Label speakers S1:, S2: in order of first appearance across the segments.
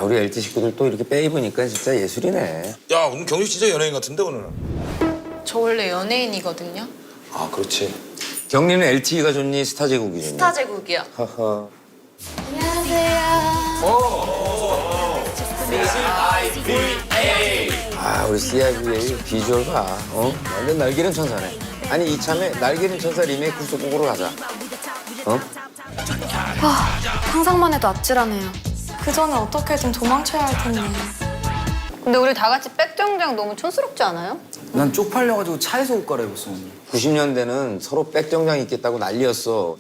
S1: 우리 LT 식구들 또 이렇게 빼입으니까 진짜 예술이네.
S2: 야, 오늘 경식 진짜 연예인 같은데 오늘.
S3: 저 원래 연예인이거든요.
S2: 아, 그렇지.
S1: 경리는 LTE가 좋니 스타 제국이 좋니?
S3: 스타 제국이요.
S1: 허허. 아 우리 CIVA 비주얼 봐. 완전 날개는 천사네. 아니 이참에 날개는 천사 리메이크 속곡으로 가자.
S4: 상상만 해도 아찔하네요. 그 전에 어떻게든 도망쳐야 할 텐데.
S5: 근데 우리 다 같이 백정장 너무 촌스럽지 않아요?
S6: 난 쪽팔려가지고 차에서 옷 갈아입었어 오늘.
S1: 90년대는 서로 백정장 입겠다고 난리였어.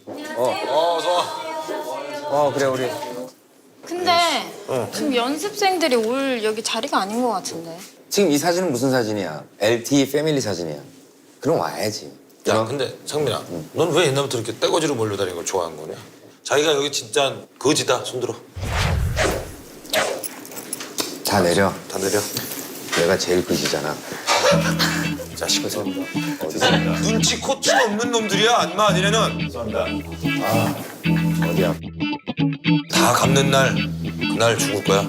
S1: 그래 우리.
S3: 근데 지금 연습생들이 올 여기 자리가 아닌 것 같은데.
S1: 지금 이 사진은 무슨 사진이야? LTE 패밀리 사진이야. 그럼 와야지.
S2: 야, 근데 상민아, 넌 왜 옛날부터 이렇게 떼거지로 몰려다니는 걸 좋아한 거냐? 자기가 여기 진짜 거지다, 손들어.
S1: 다 내려.
S2: 다 내려.
S1: 내가 제일 그지잖아.
S2: 자식을 세운다.
S1: 어디서?
S2: 눈치 코치 없는 놈들이야, 안마 아니래는.
S1: 어디야?
S2: 다 갚는 날, 그날 죽을 거야.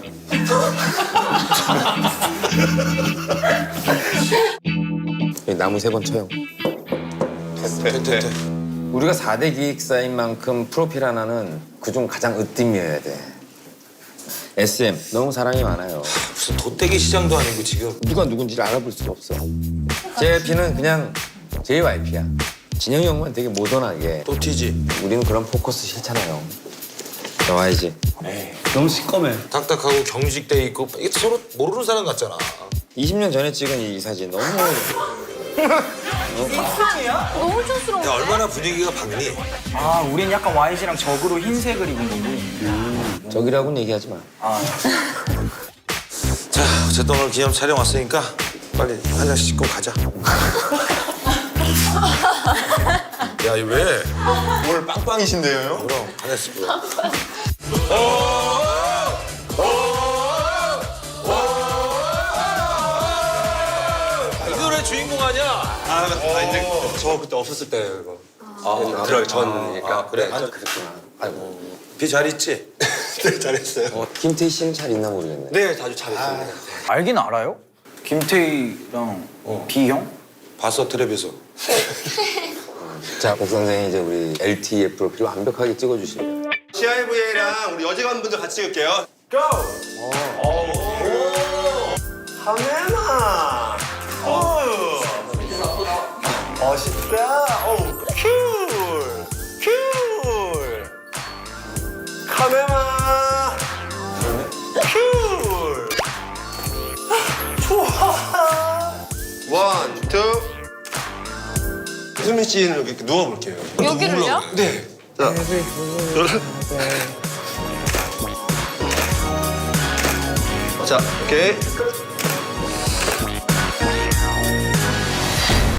S1: 여기 나무 3번 쳐요.
S2: 됐.
S1: 우리가 4대 기획사인 만큼 프로필 하나는 그중 가장 으뜸이어야 돼. SM 너무 사랑이 많아요.
S2: 무슨 돗대기 시장도 아니고 지금.
S1: 누가 누군지를 알아볼 수가 없어. JYP는 그냥 JYP야. 진영이 형만 되게 모던하게.
S2: 또 튀지.
S1: 우리는 그런 포커스 싫잖아요. 나와야지.
S6: 너무 시꺼매.
S2: 딱딱하고 경직돼 있고 이게 서로 모르는 사람 같잖아.
S1: 20년 전에 찍은 이 사진 너무
S3: 너무 촌스러워.
S2: 야, 얼마나 분위기가 밝니?
S6: 아, 우린 약간 YG랑 적으로 흰색을 입은 거고.
S1: 저기라고는 얘기하지 마.
S2: 자, 어쨌든 오늘 기념 촬영 왔으니까 빨리 한 잔씩 씻고 가자. 야, 이 왜?
S7: 오늘 빵빵이신데요?
S2: 그럼 한 잔씩. 이 노래 주인공 아니야?
S7: 이제 저 그때 없었을 때 이거. 들어가기 전이니까.
S2: 그래.
S1: 그랬구나. 아이고.
S2: 비 잘 있지?
S7: 네, 잘했어요.
S1: 김태희 씨는 잘 있나 모르겠네.
S7: 네, 아주 잘했습니다.
S6: 알긴 알아요? 김태희랑 비형?
S2: 봤어, 텔레비에서.
S1: 자, 박 선생이 이제 우리 LTE 프로필 완벽하게 찍어주시네요.
S7: CIVA랑 우리 여직원분들 같이 찍을게요. 고! 카메라! 멋있다! 쿨! 쿨! 카메라! 쿨! 좋아! 원, 투! 수민 씨는 여기 누워볼게요.
S3: 여기를요?
S7: 네. 자, 자, 오케이.